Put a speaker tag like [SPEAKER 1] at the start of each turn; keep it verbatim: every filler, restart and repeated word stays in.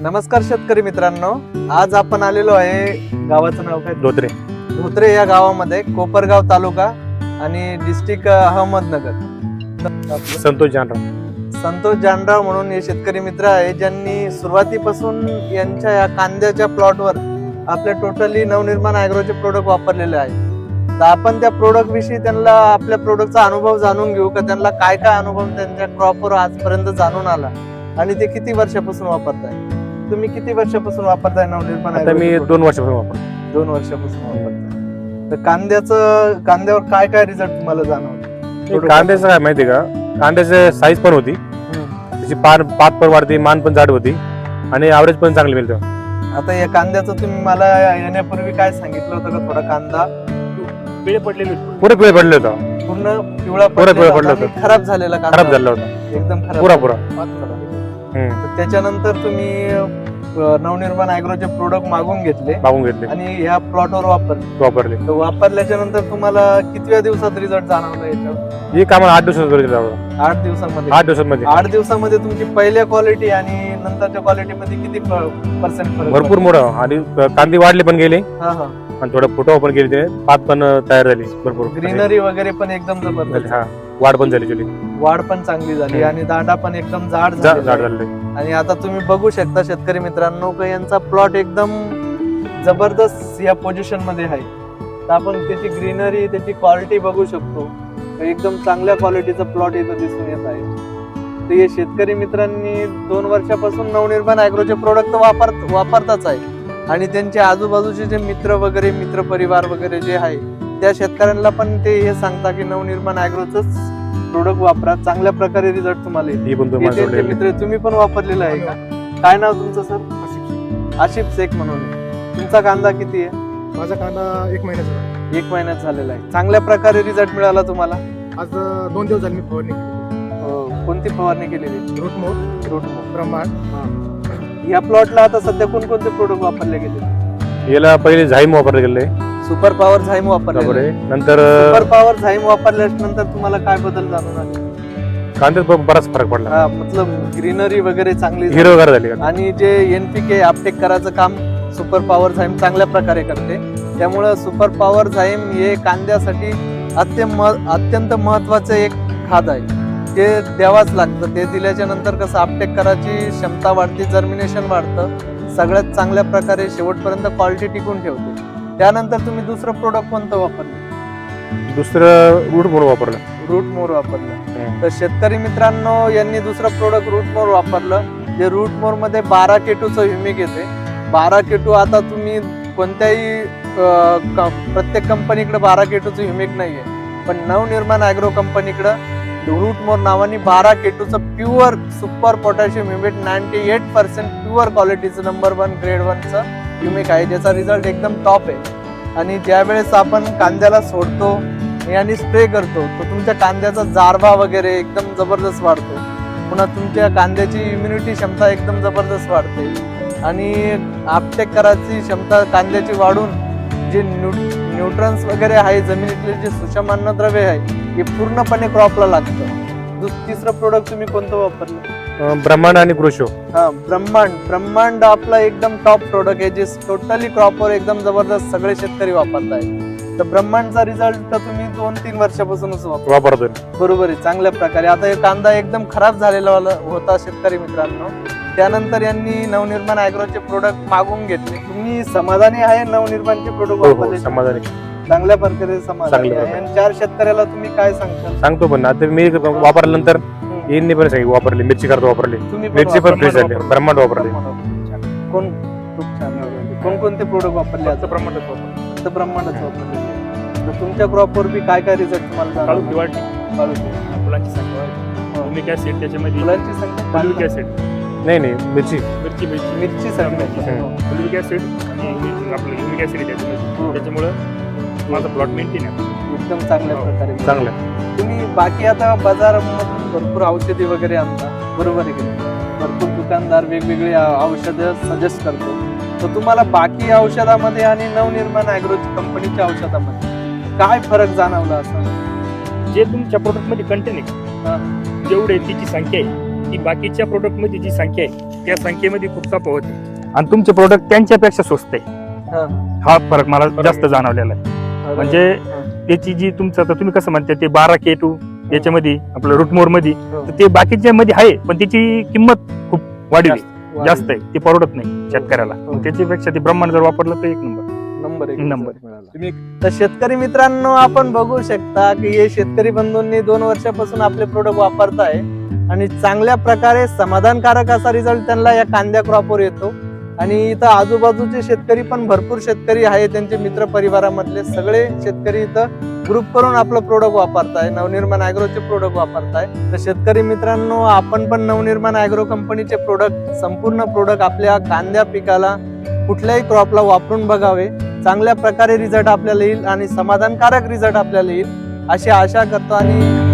[SPEAKER 1] नमस्कार शेतकरी मित्रांनो, आज आपण आलेलो आहे, गावाचं नाव काय?
[SPEAKER 2] धोत्रे.
[SPEAKER 1] धोत्रे या गावामध्ये, कोपरगाव तालुका आणि डिस्ट्रिक्ट अहमदनगर.
[SPEAKER 2] संतोष जानराव
[SPEAKER 1] संतोष जानराव म्हणून हे शेतकरी मित्र आहे, ज्यांनी सुरुवातीपासून यांच्या या कांद्याच्या प्लॉटवर आपल्या टोटली नवनिर्माण ॲग्रोचे प्रोडक्ट वापरलेले आहे. तर आपण त्या प्रोडक्ट विषयी त्यांना आपल्या प्रोडक्टचा अनुभव जाणून घेऊ का, त्यांना काय काय अनुभव त्यांच्या क्रॉपवर आजपर्यंत जाणून आला आणि ते किती वर्षापासून वापरताय. तुम्ही किती वर्षापासून वापरताय नवनिर्माण?
[SPEAKER 2] आता मी दोन वर्षापासून वापरतो.
[SPEAKER 1] दोन वर्षापासून वापरताय. तर कांद्याचं कांद्यावर काय काय रिझल्ट तुम्हाला जाणवतो?
[SPEAKER 2] कांद्याचं काय माहिती का, कांद्याची साईज पण होती, त्याची पान पात पण वाढते, मान पण जाड होती आणि ॲव्हरेज पण चांगली मिळतं.
[SPEAKER 1] आता या कांद्याचं तुम्ही मला येण्यापूर्वी काय सांगितलं होतं का, थोडा कांदा
[SPEAKER 2] पिळे पडलेले पुरे पिळे पडले होता,
[SPEAKER 1] पूर्ण पिवळा
[SPEAKER 2] पुरा पिवळा पडला होता,
[SPEAKER 1] खराब झालेला कांदा,
[SPEAKER 2] खराब झाला होता
[SPEAKER 1] एकदम खराब,
[SPEAKER 2] पुरा पुरा.
[SPEAKER 1] तर त्याच्यानंतर तुम्ही नवनिर्माण ॲग्रोचे प्रोडक्ट मागून घेतले
[SPEAKER 2] मागून घेतले
[SPEAKER 1] आणि ह्या प्लॉटवर वापरले
[SPEAKER 2] वापरले
[SPEAKER 1] तर वापरल्याच्या नंतर तुम्हाला कितव्या दिवसात रिझल्ट जाणवला याच्यावर?
[SPEAKER 2] ही कामाला आठ दिवसात
[SPEAKER 1] आठ दिवसामध्ये
[SPEAKER 2] आठ दिवसांमध्ये
[SPEAKER 1] आठ दिवसामध्ये तुमची पहिल्या क्वालिटी आणि नंतरच्या क्वालिटी मध्ये किती पर्सेंट फरक?
[SPEAKER 2] भरपूर मोठं. आणि कांदे वाढले पण गेले
[SPEAKER 1] हा हा
[SPEAKER 2] आणि थोडं फुटवा पण गेले, ते पात पण तयार झाली भरपूर,
[SPEAKER 1] ग्रीनरी वगैरे पण एकदम जबरदस्त,
[SPEAKER 2] हा वाढ पण झाली चुली,
[SPEAKER 1] वाढ पण चांगली झाली आणि दांडा पण एकदम जाड
[SPEAKER 2] जाड
[SPEAKER 1] झालेला आहे.
[SPEAKER 2] झाले.
[SPEAKER 1] आणि आता तुम्ही बघू शकता शेतकरी मित्रांनो का यांचा प्लॉट एकदम जबरदस्त या पोझिशन मध्ये आहे. तर आपण त्याची ग्रीनरी, त्याची क्वालिटी बघू शकतो, एकदम चांगल्या क्वालिटीचा प्लॉट इथं दिसून येत आहे. तर हे शेतकरी मित्रांनी दोन वर्षापासून नवनिर्माण ॲग्रोचे प्रोडक्ट वापर वापरताच आहे आणि त्यांचे आजूबाजूचे जे मित्र वगैरे, मित्र परिवार वगैरे जे आहे, त्या शेतकऱ्यांना पण ते हे सांगता की नवनिर्माण ॲग्रोचंच प्रोडक्ट वापरा, चांगल्या प्रकारे रिझल्ट तुम्हाला येईल. मित्र तुम्ही पण वापरलेला आहे का? काय नाव तुमचं सर? आशिफ शेख म्हणून. तुमचा कांदा किती आहे?
[SPEAKER 3] माझा कांदा एक महिन्याचा
[SPEAKER 1] एक महिन्यात झालेला आहे. चांगल्या प्रकारे रिझल्ट मिळाला तुम्हाला?
[SPEAKER 3] आज दोन दिवस झाले मी फवारणी केली.
[SPEAKER 1] कोणती फवारणी केलेली?
[SPEAKER 3] रूटमोर
[SPEAKER 1] रूटमोर.
[SPEAKER 3] ब्रह्मांड.
[SPEAKER 1] या प्लॉटला आता सध्या कोणकोणते प्रोडक्ट वापरले गेले?
[SPEAKER 2] याला पहिले झाईम वापरले गेले,
[SPEAKER 1] सुपर पॉवर झाईम वापरले,
[SPEAKER 2] नंतर
[SPEAKER 1] सुपर पॉवर झाईम वापरल्यानंतर तुम्हाला काय बदल जाणून आले?
[SPEAKER 2] कांद्यात बराच फरक पडला.
[SPEAKER 1] हा, मतलब ग्रीनरी वगैरे चांगली
[SPEAKER 2] हिरो वगैरे झाली
[SPEAKER 1] आणि जे एनपीके अपटेक करायचं काम सुपर पॉवर झाईम चांगल्या प्रकारे करते. त्यामुळं सुपर पॉवर झाईम हे कांद्यासाठी अत्यंत अत्यंत महत्वाचं एक खाद आहे. ते द्यावाच लागतं. ते दिल्याच्या नंतर कसं अपटेक करायची क्षमता वाढते, जर्मिनेशन वाढतं, सगळ्यात चांगल्या प्रकारे शेवटपर्यंत क्वालिटी टिकून ठेवते. त्यानंतर तुम्ही दुसरं प्रोडक्ट कोणतं वापरलं?
[SPEAKER 2] दुसरं रूट म्हणून वापरलं,
[SPEAKER 1] रूट मोर वापरलं. तर शेतकरी मित्रांनो, यांनी दुसरं प्रोडक्ट रूट मोर वापरलं. जे रूट मोर मध्ये बारा केटूचं ह्युमिक येते. बारा केटू आता तुम्ही कोणत्याही प्रत्येक कंपनीकडे बारा केटूचं ह्युमिक नाहीये, पण नवनिर्माण ॲग्रो कंपनीकडे रूट मोर नावाने बारा केटूचं pure super potassium humic ninety eight percent pure क्वालिटीचं नंबर वन ग्रेड वनचं ह्युमिक आहे, ज्याचा रिझल्ट एकदम टॉप आहे. आणि ज्या वेळेस आपण कांद्याला सोडतो आणि स्प्रे करतो, तर तुमच्या कांद्याचा जारबा वगैरे एकदम जबरदस्त वाढतो. पुन्हा तुमच्या कांद्याची इम्युनिटी क्षमता एकदम जबरदस्त वाढते आणि अपटेक करायची क्षमता कांद्याची वाढून जे न्यू न्यूट्रन्स वगैरे आहे, जमिनीतले जे सूक्ष्म अन्नद्रव्य आहे, हे पूर्णपणे क्रॉपला लागतं. तिसरं प्रोडक्ट तुम्ही कोणतं वापरलं?
[SPEAKER 2] ब्रह्मांड आणि ग्रोशो.
[SPEAKER 1] हा, ब्रह्मांड. ब्रह्मांड आपला एकदम टॉप प्रोडक्ट आहे, जे टोटली क्रॉपवर एकदम जबरदस्त सगळे शेतकरी वापरताय. तर ब्रह्मांडचा रिझल्ट तर तुम्ही दोन तीन वर्षापासूनच
[SPEAKER 2] वापरतोय.
[SPEAKER 1] बरोबर आहे, चांगल्या प्रकारे. आता हे कांदा एकदम खराब झालेला होता शेतकरी मित्रांनो, त्यानंतर यांनी नवनिर्माण ॲग्रोचे प्रोडक्ट मागून घेतले. तुम्ही समाधानी आहे नवनिर्माणचे प्रोडक्ट वापरले?
[SPEAKER 2] समाधानी,
[SPEAKER 1] चांगल्या प्रकारे समाधानी आहे. आणि चार शेतकऱ्याला तुम्ही काय सांगता?
[SPEAKER 2] सांगतो पण आता मी वापरल्यानंतर यांनी पण सांगितलं वापरली, मिरची करतो वापरली, मिरची पण फ्रेश झाली, ब्रह्मांड वापरली.
[SPEAKER 1] कोण खूप छान. कोणकोणते प्रोडक्ट वापरले? आता
[SPEAKER 3] ब्रह्मांडच वापरलं.
[SPEAKER 1] फक्त ब्रह्मांडच वापरले. तर तुमच्या क्रॉपवर बी काय काय रिझल्ट तुम्हाला
[SPEAKER 3] काळू
[SPEAKER 1] जाणवले?
[SPEAKER 3] वाढली, फुलांची संख्या वाढली, ह्युमिक ऍसिड त्याच्यामध्ये,
[SPEAKER 1] फुलांची संख्या,
[SPEAKER 3] फुलिक ऍसिड,
[SPEAKER 2] नाही नाही मिरची
[SPEAKER 3] मिरची मिरची
[SPEAKER 1] मिरची संख्या,
[SPEAKER 3] फुलिक ऍसिड आणि आपलं ह्युमिक ऍसिड त्याच्यामध्ये, त्याच्यामुळं माझा प्लॉट मेंटेन आहे
[SPEAKER 1] एकदम चांगल्या प्रकारे.
[SPEAKER 2] चांगलं.
[SPEAKER 1] तुम्ही बाकी आता बाजारामधून भरपूर औषधी वगैरे आणता, बरोबर आहे की नाही? भरपूर दुकानदार वेगवेगळे औषधं सजेस्ट करतो. तर तुम्हाला बाकी औषधामध्ये आणि नवनिर्माण ॲग्रोची कंपनीच्या औषधामध्ये काय फरक जाणवला असं?
[SPEAKER 3] जे तुमच्या प्रोडक्ट मध्ये कंटेन आहे, जेवढे तिची संख्या आहे ती बाकीच्या प्रोडक्ट मध्ये जी संख्या आहे त्या संख्येमध्ये खूप तफावत आहे आणि तुमचे प्रोडक्ट त्यांच्यापेक्षा स्वस्त आहे.
[SPEAKER 1] हा.
[SPEAKER 3] हा फरक मला जास्त
[SPEAKER 1] आहे.
[SPEAKER 3] जाणवलेला आहे.
[SPEAKER 1] अरे,
[SPEAKER 3] म्हणजे
[SPEAKER 1] हा.
[SPEAKER 3] त्याची जी तुमचं आता तुम्ही कसं म्हणता ते बारा के टू याच्यामध्ये आपलं रूटमोर मध्ये
[SPEAKER 1] हो.
[SPEAKER 3] तर ते बाकीच्या मध्ये आहे पण त्याची किंमत खूप वाढली जास्त आहे. ती परवडत नाही शेतकऱ्याला.
[SPEAKER 1] हो.
[SPEAKER 3] मग त्याच्यापेक्षा ते ब्रह्मांड जर वापरलं तर एक नंबर
[SPEAKER 1] नंबर एक
[SPEAKER 3] नंबर.
[SPEAKER 1] मिळाला. तुम्ही तर शेतकरी मित्रांनो आपण बघू शकता की हे शेतकरी बंधूंनी दोन वर्षापासून आपले प्रोडक्ट वापरताय आणि चांगल्या प्रकारे समाधानकारक असा रिझल्ट त्यांना या कांद्या क्रॉपवर येतो. आणि इथं आजूबाजूचे शेतकरी पण भरपूर शेतकरी आहे, त्यांचे मित्र परिवारामधले सगळे शेतकरी इथं ग्रुप करून आपलं प्रोडक्ट वापरताय, नवनिर्माण ॲग्रोचे प्रोडक्ट वापरताय. तर शेतकरी मित्रांनो आपण पण नवनिर्माण ॲग्रो कंपनीचे प्रोडक्ट संपूर्ण प्रोडक्ट आपल्या कांद्या पिकाला कुठल्याही क्रॉपला वापरून बघावे. चांगल्या प्रकारे रिझल्ट आपल्याला येईल आणि समाधानकारक रिझल्ट आपल्याला येईल अशी आशा करतो आणि